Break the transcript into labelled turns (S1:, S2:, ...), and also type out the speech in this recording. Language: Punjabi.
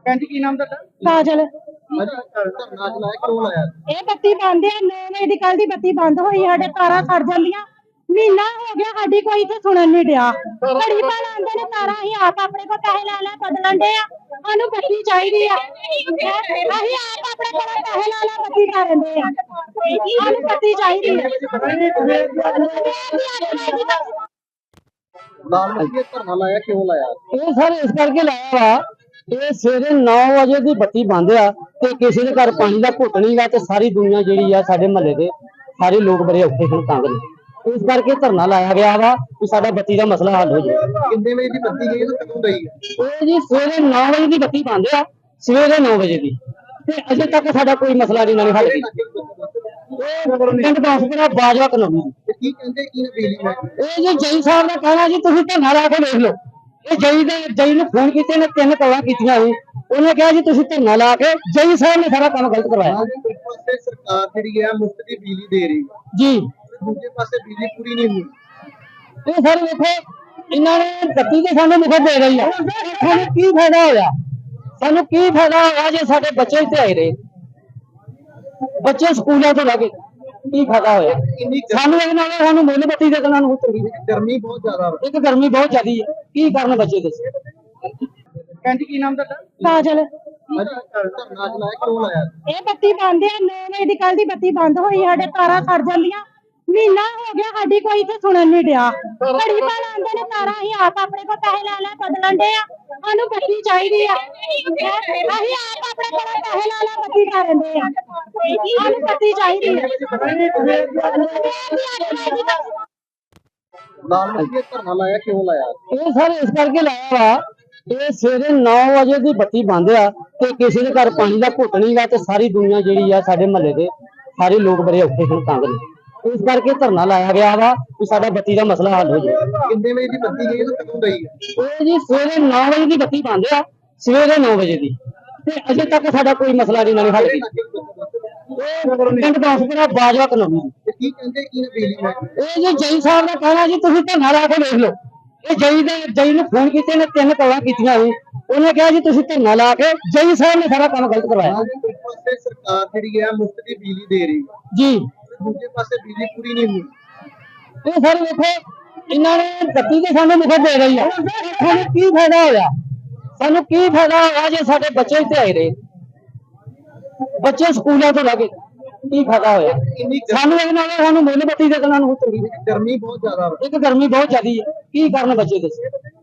S1: ਭੈਣ ਜੀ ਕੀ ਨਾਮ ਤੁਹਾਡਾ?
S2: ਕਾਜਲ।
S1: ਅੱਜ ਧਰਨਾ ਚਲਾਇਆ ਕਿਉਂ ਲਾਇਆ?
S2: ਇਹ ਬੱਤੀ ਬੰਦ ਹੈ 9 ਵਜੇ ਦੀ, ਕੱਲ ਦੀ ਬੱਤੀ ਬੰਦ ਹੋਈ। ਸਾਡੇ ਤਾਰਾਂ ਸੜ ਜਾਂਦੀਆਂ, ਮਹੀਨਾ ਹੋ ਗਿਆ ਸਾਡੀ ਕੋਈ ਇੱਥੇ ਸੁਣਨ ਨਹੀਂ ਡਿਆ। ਘੜੀ ਪਾ ਲਾਉਂਦੇ ਨੇ ਤਾਰਾਂ, ਅਸੀਂ ਆਪ ਆਪਣੇ ਕੋਲ ਪੈਸੇ ਲੈ ਲੈ ਬਦਲਣ ਦੇ ਆ। ਸਾਨੂੰ ਬੱਤੀ ਚਾਹੀਦੀ ਆ, ਅਸੀਂ ਆਪ ਆਪਣੇ ਕੋਲ ਪੈਸੇ ਲੈ ਲੈ ਬੱਤੀ ਕਰਨ ਦੇ ਆ। ਸਾਨੂੰ ਬੱਤੀ ਚਾਹੀਦੀ ਆ।
S1: ਲਾਲ ਬੱਤੀ ਧਰਨਾ ਲਾਇਆ ਕਿਉਂ ਲਾਇਆ?
S3: ਇਹ ਸਰ ਇਸ ਕਰਕੇ ਲਾਇਆ ਵਾ, ਇਹ ਸਵੇਰੇ 9 ਵਜੇ ਦੀ ਬੱਤੀ ਬੰਦ ਆ ਤੇ ਕਿਸੇ ਦੇ ਘਰ ਪਾਣੀ ਦਾ ਘੁੱਟ ਨਹੀਂ ਗਾ ਤੇ ਸਾਰੀ ਦੁਨੀਆ ਜਿਹੜੀ ਆ ਸਾਡੇ ਮਹੱਲੇ ਦੇ ਸਾਰੇ ਲੋਕ ਬੜੇ ਔਖੇ ਹਨ ਤੰਗ ਨੇ। ਇਸ ਕਰਕੇ ਧਰਨਾ ਲਾਇਆ ਗਿਆ ਵਾ ਕਿ ਸਾਡਾ ਬੱਤੀ ਦਾ ਮਸਲਾ ਹੱਲ ਹੋ ਜਾਵੇ।
S1: ਕਿੰਨੇ ਵਜੇ ਦੀ ਬੱਤੀ ਗਈ ਤੇ ਕਦੋਂ ਗਈ?
S3: ਇਹ ਜੀ ਸਵੇਰੇ 9 ਵਜੇ ਦੀ ਬੱਤੀ ਬੰਦ ਆ, ਸਵੇਰੇ 9 ਵਜੇ ਦੀ, ਤੇ ਅਜੇ ਤੱਕ ਸਾਡਾ ਕੋਈ ਮਸਲਾ ਨਹੀਂ ਨਾਲ ਹੱਲ ਕੀਤਾ। ਪਿੰਡ ਬਾਸਪੁਰਾ ਬਾਜਵਾ ਕਲੋਨੀ।
S1: ਕੀ ਕਹਿੰਦੇ ਕੀ ਨੇ ਬਿਜਲੀ ਮਹਿਕਮੇ?
S3: ਇਹ ਜੀ ਜਈ ਸਾਹਿਬ ਦਾ ਕਹਿਣਾ ਜੀ ਤੁਸੀਂ ਧਰਨਾ ਲਾ ਕੇ ਦੇਖ ਲਓ। ਇਹ ਜਈ ਨੂੰ ਫੋਨ ਕੀਤੇ ਨੇ 3 ਕਾਲਾਂ ਕੀਤੀਆਂ ਸੀ, ਉਹਨੇ ਕਿਹਾ ਜੀ ਤੁਸੀਂ ਧਰਨਾ ਲਾ ਕੇ, ਜਈ ਸਾਹਿਬ ਨੇ ਸਾਰਾ ਕੰਮ ਗਲਤ ਕਰਵਾਇਆ।
S1: ਇੱਕ ਪਾਸੇ ਸਰਕਾਰ ਜਿਹੜੀ ਹੈ ਮੁਫਤ ਦੀ ਬਿਜਲੀ ਦੇ ਰਹੀ
S3: ਜੀ,
S1: ਦੂਜੇ ਪਾਸੇ ਬਿਜਲੀ ਪੂਰੀ ਨਹੀਂ ਹੁੰਦੀ।
S3: ਇਹ ਸਰ ਵੇਖੋ ਇਹਨਾਂ ਨੇ ਬੱਤੀ ਦੇ ਸਾਨੂੰ ਮੁਫਤ ਦੇ ਰਹੀ ਆ, ਸਾਨੂੰ ਕੀ ਫਾਇਦਾ ਹੋਇਆ? ਸਾਨੂੰ ਕੀ ਫਾਇਦਾ ਹੋਇਆ ਜੇ ਸਾਡੇ ਬੱਚੇ ਇੱਥੇ ਆਏ ਰਹੇ, ਬੱਚੇ ਸਕੂਲਾਂ ਤੋਂ ਲੱਗੇ, ਕੀ ਫਾਇਦਾ ਹੋਇਆ ਸਾਨੂੰ? ਇਹ ਨਾਲ ਸਾਨੂੰ ਮੁੱਲ ਬੱਤੀ ਦੇ ਦੇਣਾ ਨੂੰ ਚੰਗੀ।
S1: ਗਰਮੀ ਬਹੁਤ ਜ਼ਿਆਦਾ ਹੋ
S3: ਇੱਕ ਗਰਮੀ ਬਹੁਤ ਜ਼ਿਆਦੀ ਹੈ, ਕੀ ਕਰਨ ਬੱਚੇ ਦੱਸੋ?
S1: ਭੈਣ ਜੀ ਕੀ ਨਾਮ ਤੁਹਾਡਾ?
S2: ਕਾਜਲ।
S1: ਅੱਜ ਧਰਨਾ ਚਲਾਇਆ ਕਿਉਂ ਲਾਇਆ?
S2: ਇਹ ਬੱਤੀ ਬੰਦ ਹੈ 9 ਵਜੇ ਦੀ, ਕੱਲ ਦੀ ਬੱਤੀ ਬੰਦ ਹੋਈ। ਸਾਡੇ ਤਾਰਾਂ ਸੜ ਜਾਂਦੀਆਂ, ਮਹੀਨਾ ਹੋ ਗਿਆ ਸਾਡੀ ਕੋਈ ਇੱਥੇ ਸੁਣਨ ਨਹੀਂ ਡਿਆ। ਘੜੀ ਪਾ ਲਾਉਂਦੇ ਨੇ ਤਾਰਾਂ, ਅਸੀਂ ਆਪ ਆਪਣੇ ਕੋਲ ਪੈਸੇ ਲੈ ਲੈ ਬਦਲਣ ਦੇ ਆ। ਸਾਨੂੰ ਬੱਤੀ ਚਾਹੀਦੀ ਆ, ਅਸੀਂ ਆਪ ਆਪਣੇ ਕੋਲ ਪੈਸੇ ਲੈ ਲੈ ਬੱਤੀ ਕਰਨ ਦੇ ਆ। ਸਾਨੂੰ ਬੱਤੀ ਚਾਹੀਦੀ ਆ।
S1: ਲਾਲ ਬੱਤੀ ਧਰਨਾ ਲਾਇਆ ਕਿਉਂ ਲਾਇਆ?
S3: ਇਹ ਸਰ ਇਸ ਕਰਕੇ ਲਾਇਆ ਵਾ, ਇਹ ਸਵੇਰੇ 9 ਵਜੇ ਦੀ ਬੱਤੀ ਬੰਦ ਆ ਤੇ ਕਿਸੇ ਦੇ ਘਰ ਪਾਣੀ ਦਾ ਘੁੱਟ ਨਹੀਂ ਗਾ ਤੇ ਸਾਰੀ ਦੁਨੀਆ ਜਿਹੜੀ ਆ ਸਾਡੇ ਮਹੱਲੇ ਦੇ ਸਾਰੇ ਲੋਕ ਬੜੇ ਔਖੇ ਹਨ ਤੰਗ ਨੇ। ਇਸ ਕਰਕੇ ਧਰਨਾ ਲਾਇਆ ਗਿਆ ਵਾ ਕਿ ਸਾਡਾ ਬੱਤੀ ਦਾ ਮਸਲਾ ਹੱਲ ਹੋ ਜਾਵੇ।
S1: ਕਿੰਨੇ ਵਜੇ ਦੀ ਬੱਤੀ ਗਈ ਤੇ ਕਦੋਂ ਗਈ?
S3: ਇਹ ਜੀ ਸਵੇਰੇ 9 ਵਜੇ ਦੀ ਬੱਤੀ ਬੰਦ ਆ, ਸਵੇਰੇ 9 ਵਜੇ ਦੀ, ਤੇ ਅਜੇ ਤੱਕ ਸਾਡਾ ਕੋਈ ਮਸਲਾ ਨਹੀਂ ਨਾਲ ਹੱਲ ਕੀਤਾ। ਪਿੰਡ ਬਾਸਪੁਰਾ ਬਾਜਵਾ ਕਲੋਨੀ।
S1: ਕੀ ਕਹਿੰਦੇ ਕੀ ਨੇ ਬਿਜਲੀ ਮਹਿਕਮੇ?
S3: ਇਹ ਜੀ ਜਈ ਸਾਹਿਬ ਦਾ ਕਹਿਣਾ ਜੀ ਤੁਸੀਂ ਧਰਨਾ ਲਾ ਕੇ ਦੇਖ ਲਓ। ਇਹ ਜਈ ਨੂੰ ਫੋਨ ਕੀਤੇ ਨੇ 3 ਕਾਲਾਂ ਕੀਤੀਆਂ ਸੀ, ਉਹਨੇ ਕਿਹਾ ਜੀ ਤੁਸੀਂ ਧਰਨਾ ਲਾ ਕੇ, ਜਈ ਸਾਹਿਬ ਨੇ ਸਾਰਾ ਕੰਮ ਗਲਤ ਕਰਵਾਇਆ।
S1: ਇੱਕ ਪਾਸੇ ਸਰਕਾਰ ਜਿਹੜੀ ਹੈ ਮੁਫਤ ਦੀ ਬਿਜਲੀ ਦੇ ਰਹੀ
S3: ਜੀ,
S1: ਦੂਜੇ ਪਾਸੇ ਬਿਜਲੀ ਪੂਰੀ ਨਹੀਂ ਹੁੰਦੀ।
S3: ਇਹ ਸਰ ਵੇਖੋ ਇਹਨਾਂ ਨੇ ਬੱਤੀ ਦੇ ਸਾਨੂੰ ਮੁਫਤ ਦੇ ਰਹੀ ਆ, ਸਾਨੂੰ ਕੀ ਫਾਇਦਾ ਹੋਇਆ? ਸਾਨੂੰ ਕੀ ਫਾਇਦਾ ਹੋਇਆ ਜੇ ਸਾਡੇ ਬੱਚੇ ਇੱਥੇ ਆਏ ਰਹੇ, ਬੱਚੇ ਸਕੂਲਾਂ ਤੋਂ ਲੱਗੇ, ਕੀ ਫਾਇਦਾ ਹੋਇਆ ਸਾਨੂੰ? ਇਹ ਨਾਲ ਸਾਨੂੰ ਮੁੱਲ ਬੱਤੀ ਦੇ ਦੇਣਾ ਨੂੰ ਚੰਗੀ।
S1: ਗਰਮੀ ਬਹੁਤ ਜ਼ਿਆਦਾ ਹੋ
S3: ਇੱਕ ਗਰਮੀ ਬਹੁਤ ਜ਼ਿਆਦੀ ਹੈ, ਕੀ ਕਰਨ ਬੱਚੇ ਦੱਸੋ?